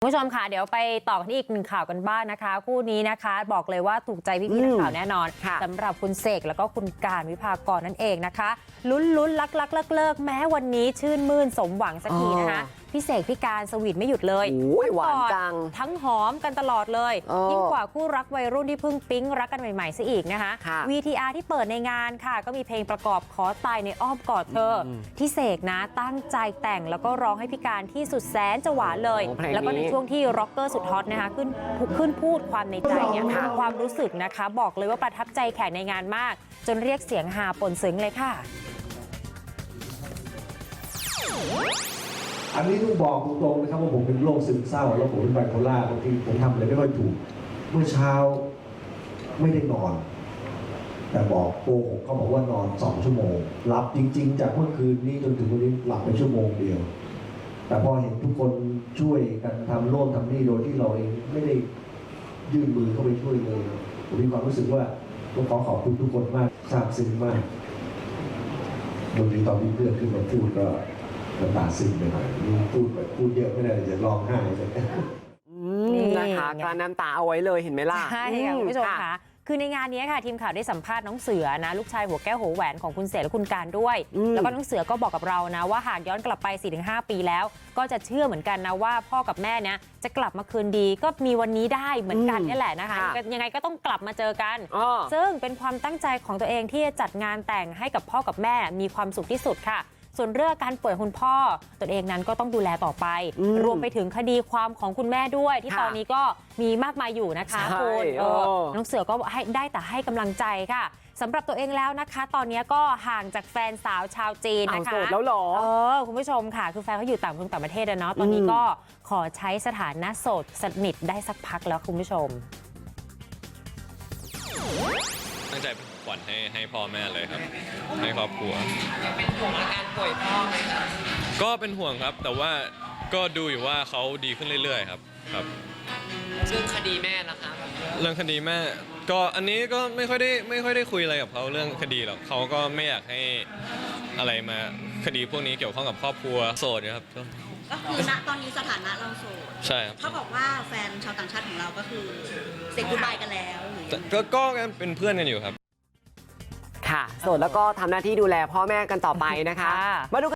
คุณผู้ชมค่ะเดี๋ยวไปต่อกันที่อีกหนึ่งข่าวกันบ้างนะคะคู่นี้นะคะบอกเลยว่าถูกใจพี่ๆนักข่าวแน่นอนสำหรับคุณเสกแล้วก็คุณการวิภากรนั่นเองนะคะลุ้นลักเลิกแม้วันนี้ชื่นมื่นสมหวังสักทีนะคะพี่เสกพี่การสวีทไม่หยุดเลยหวานจังทั้งหอมกันตลอดเลยยิ่งกว่าคู่รักวัยรุ่นที่เพิ่งปิ๊งรักกันใหม่ๆซะอีกนะคะ VTR ที่เปิดในงานค่ะก็มีเพลงประกอบขอตายในอ้อมกอดเธอที่เสกนะตั้งใจแต่งแล้วก็ร้องให้พี่การที่สุดแสนจะหวานเลยแล้วก็ในช่วงที่ร็อกเกอร์สุดฮอตนะคะขึ้นพูดความในใจเนี่ยความรู้สึกนะคะบอกเลยว่าประทับใจแขกในงานมากจนเรียกเสียงฮาปนซึ้งเลยค่ะอันนี้ต้องบอกตรงๆนะครับว่าผมเป็นโรคซึมเศร้าแล้วผมเป็นไบโพล่าบางทีผมทำอะไรไม่ค่อยถูกเมื่อเช้าไม่ได้นอน แต่บอกโกหกเขาบอกว่านอน2 ชั่วโมงหลับจริงๆจากเมื่อคืนนี้จนถึงวันนี้หลับไปชั่วโมงเดียวแต่พอเห็นทุกคนช่วยกันทำโน่นทำนี่โดยที่เราเองไม่ได้ยื่นมือเข้าไปช่วยเลยผมมีความรู้สึกว่าต้องขอบคุณทุกคนมากซาบซึ้งมากบางทีตอนที่เพื่อนขึ้นมาพูดก็น้ำตาซึมไปหน่อยพูดเยอะไม่ได้จะร้องไห้เลยนะคะการน้ำตาเอาไว้เลยเห็นไหมล่ะใช่ค่ะคุณผู้ชมค่ะคือในงานนี้ค่ะทีมข่าวได้สัมภาษณ์น้องเสือนะลูกชายหัวแก้วหัวแหวนของคุณเสกและคุณการด้วยแล้วก็น้องเสือก็บอกกับเรานะว่าหากย้อนกลับไป 4-5 ปีแล้วก็จะเชื่อเหมือนกันนะว่าพ่อกับแม่เนี่ยจะกลับมาคืนดีก็มีวันนี้ได้เหมือนกันนี่แหละนะคะยังไงก็ต้องกลับมาเจอกันซึ่งเป็นความตั้งใจของตัวเองที่จะจัดงานแต่งให้กับพ่อกับแม่มีความสุขที่สุดค่ะส่วนเรื่องการป่วยคุณพ่อตนเองนั้นก็ต้องดูแลต่อไปรวมไปถึงคดีความของคุณแม่ด้วยที่ตอนนี้ก็มีมากมายอยู่นะคะคุณน้องเสือก็ได้แต่ให้กำลังใจค่ะสำหรับตัวเองแล้วนะคะตอนนี้ก็ห่างจากแฟนสาวชาวจีนนะคะโสดแล้วหรอคุณผู้ชมค่ะคือแฟนเขาอยู่ต่างประเทศนะเนาะตอนนี้ก็ขอใช้สถานะโสดสนิทได้สักพักแล้วคุณผู้ชมตั้งใจเป็นของขวัญให้พ่อแม่เลยครับให้ครอบครัวเป็นห่วงอาการป่วยพ่อไหมครับก็เป็นห่วงครับแต่ว่าก็ดูอยู่ว่าเขาดีขึ้นเรื่อยๆครับเรื่องคดีแม่ล่ะคะเรื่องคดีแม่ก็อันนี้ก็ไม่ค่อยได้คุยอะไรกับเขาเรื่องคดีหรอกเขาก็ไม่อยากให้อะไรมาคดีพวกนี้เกี่ยวข้องกับครอบครัวโสดครับก็คือณตอนนี้สถานะเราโสดใช่ครับเขาบอกว่าแฟนชาวต่างชาติของเราก็คือเซ็กกู๊ดบายกันแล้วหรือก็เป็นเพื่อนกันอยู่ครับค่ะโสดแล้วก็ทำหน้าที่ดูแลพ่อแม่กันต่อไปนะคะมาดู